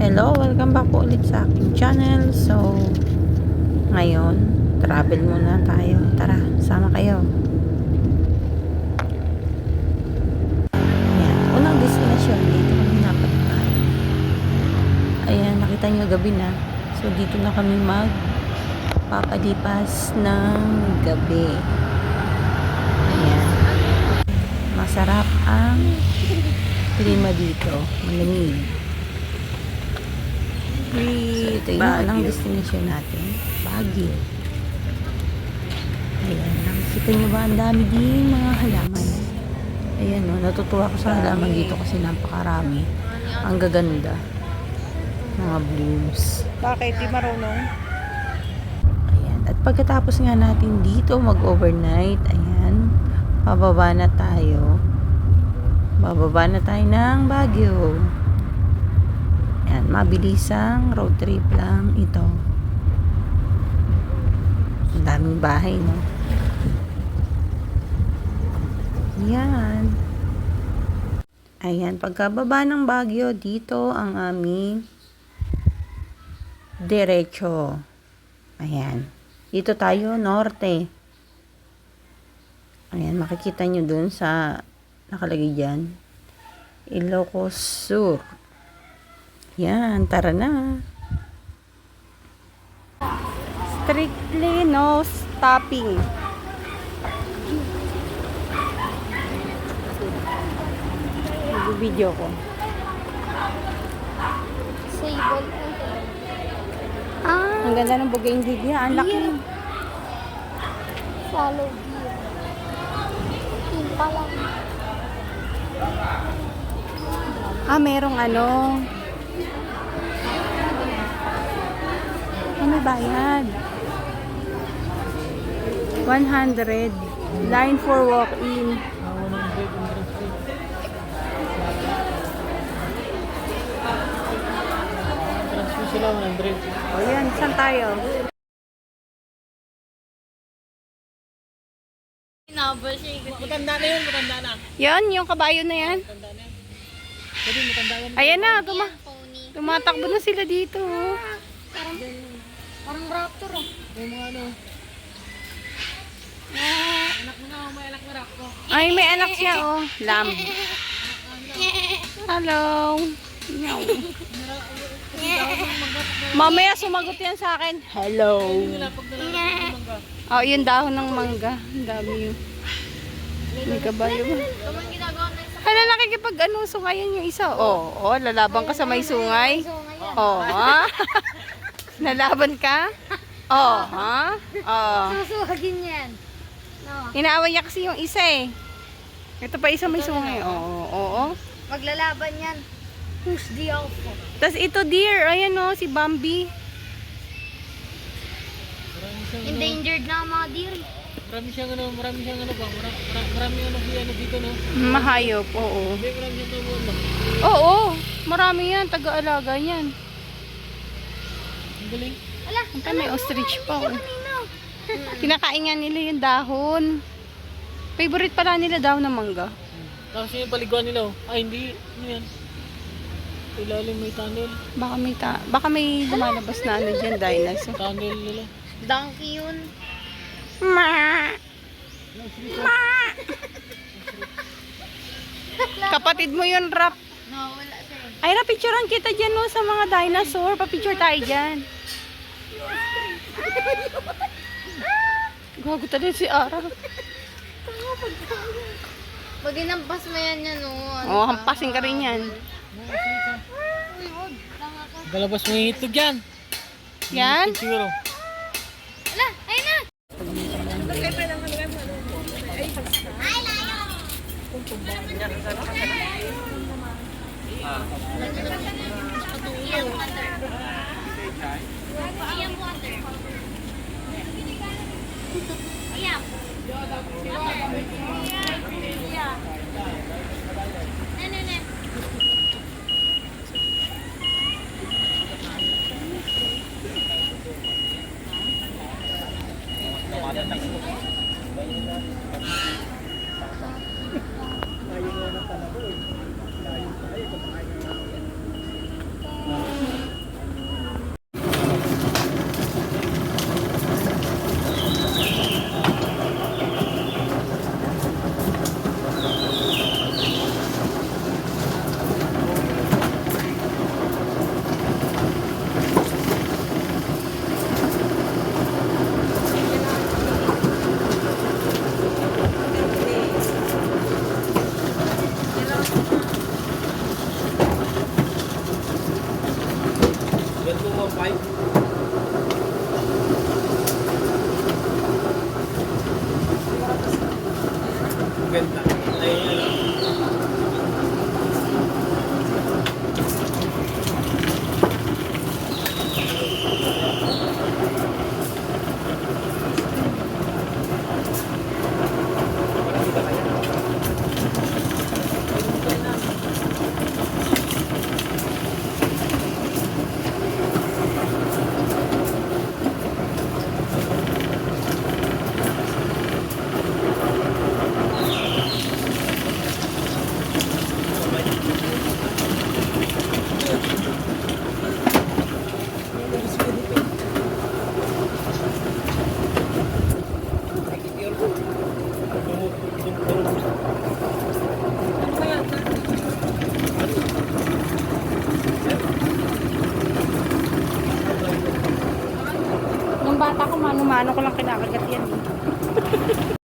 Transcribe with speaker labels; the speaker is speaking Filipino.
Speaker 1: Hello, welcome back po ulit sa aking channel. So, ngayon, travel muna tayo. Tara, sama kayo. Ayan, unang destination dito kami napunta. Ayan, nakita nyo gabi na. So, dito na kami magpapalipas ng gabi. Ayan. Masarap ang klima dito. Malamig. Ito yung unang destination natin, Baguio. Ayan, nakikita nyo ba ang dami din mga halaman. Ayan o, natutuwa ko sa halaman dito kasi napakarami. Ang gaganda. Mga blooms.
Speaker 2: Bakit? Di marunong?
Speaker 1: Ayan, at pagkatapos nga natin dito mag-overnight, ayan, bababa na tayo. Bababa na tayo ng Baguio. Ayan, mabilisang road trip lang ito. Ang daming bahay, no? Ayan. Ayan, pagkababa ng Baguio, dito ang aming diretso. Ayan. Dito tayo, norte. Ayan, makikita nyo dun sa nakalagay dyan. Ilocos Sur. Yan, tara na. Strictly no stopping. Video ko.
Speaker 3: Sable.
Speaker 1: Ang ganda ng bougainvillea. Ang laki.
Speaker 3: Follow gear. Yun pa lang.
Speaker 1: Merong ano. May bayad. 100. Line for walk-in.
Speaker 2: Sila 100.
Speaker 1: O yan, saan tayo?
Speaker 2: Matanda na yun, matanda na.
Speaker 1: Yan, yung kabayo na yan.
Speaker 2: Matanda na yan. Pwede matanda yan.
Speaker 1: Ayan na,
Speaker 3: Pony.
Speaker 1: tumatakbo na sila dito.
Speaker 3: Parang raptor ah.
Speaker 2: May mga ano. Anak mo na, may anak na raptor.
Speaker 1: Ay, may anak siya, oh. Lamb. Hello. Meow. Mamaya sumagot yan sa akin. Hello. Oh, yung dahon ng mangga. Ang dami yun. May kabayo ba?
Speaker 3: Naman ginagawa na isa.
Speaker 1: Hala, nakikipag ano, sungayan yung isa. Oh, oh, lalaban ka sa may sungay. Oh, ha? Lalaban ka? Oh, ha? Oh.
Speaker 3: Susuhagin yan. No.
Speaker 1: Inaaway niya kasi yung isa eh. Ito pa isa may sungay. Oo, oo.
Speaker 3: Maglalaban yan. Who's the alpha?
Speaker 1: Tapos ito deer, ayan o, si Bambi.
Speaker 3: Endangered na ang mga deer.
Speaker 2: Marami siyang ano ba? Marami ano dito, no?
Speaker 1: Mahayop, oo.
Speaker 2: Hindi, marami siyang tumuan ba?
Speaker 1: Oo, marami yan, taga-alaga yan.
Speaker 2: Ang galing.
Speaker 3: Ala,
Speaker 1: Ito may ostrich pa. Oh.
Speaker 3: kanino?
Speaker 1: Kinakain nga nila yung dahon. Favorite pala nila dahon ng mangga.
Speaker 2: Tapos yung paliguan nila, oh. Ay, hindi. Ano yan? Ilalim may tunnel.
Speaker 1: Baka may lumalabas na ano dyan, dinosaur.
Speaker 2: Tunnel nila.
Speaker 3: Donkey yun.
Speaker 1: Ma! Ma! Kapatid mo yun, Rap.
Speaker 3: No, wala siya eh.
Speaker 1: Ay, Rap, picturean kita dyan no, sa mga dinosaur. Papicture tayo dyan. Gago talaga si Ara.
Speaker 3: Pag inampas mo yan yan, no.
Speaker 1: Oo, hampasin ka rin yan.
Speaker 3: Uy, wag. Tanga ka.
Speaker 2: Galabas mo yung itlog yan.
Speaker 1: Yan?
Speaker 2: Itlog siguro.
Speaker 3: Ala, ayun na. Iyang water. Iyang. Ne.
Speaker 2: Ganda. Ay, ano.
Speaker 3: Nung bata ko, mano-mano ko lang kinakagat yan.